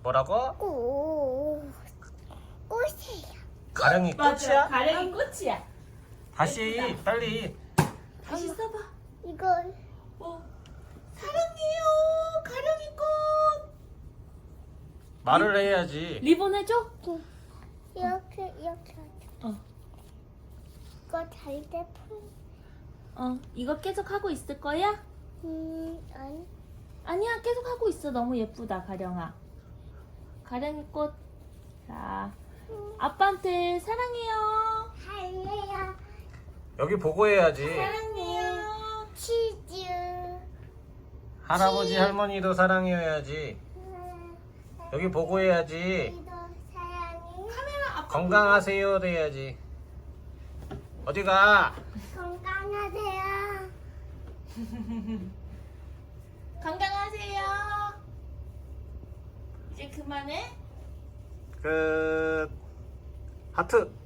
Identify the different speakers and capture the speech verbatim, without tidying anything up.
Speaker 1: 뭐라고?
Speaker 2: 꽃. 꽃이에요.
Speaker 1: 가령이
Speaker 3: 맞아.
Speaker 1: 꽃이야?
Speaker 3: 가령이 꽃이야.
Speaker 1: 다시
Speaker 3: 예쁘다.
Speaker 1: 빨리.
Speaker 3: 다시 써봐.
Speaker 2: 이거
Speaker 3: 어. 사랑해요. 가령이 꽃.
Speaker 1: 말을 해야지.
Speaker 3: 리본 해줘?
Speaker 2: 이렇게 이렇게 하죠.
Speaker 3: 어.
Speaker 2: 이거 잘때 풀.
Speaker 3: 어. 이거 계속 하고 있을 거야?
Speaker 2: 음 아니.
Speaker 3: 아니야. 계속 하고 있어. 너무 예쁘다, 가령아. 가령이 꽃. 자. 아빠한테 사랑해요.
Speaker 2: 할래요.
Speaker 1: 여기 보고 해야지.
Speaker 3: 사랑해요.
Speaker 2: 치즈.
Speaker 1: 할아버지 할머니도 사랑해야지. 여기 보고 해야지.
Speaker 2: 이도 사랑해.
Speaker 3: 카메라 아빠
Speaker 1: 건강하세요 돼야지. 어디가?
Speaker 2: 건강하세요.
Speaker 3: 건강하세요. 이제 그만해.
Speaker 1: 끝. 하트.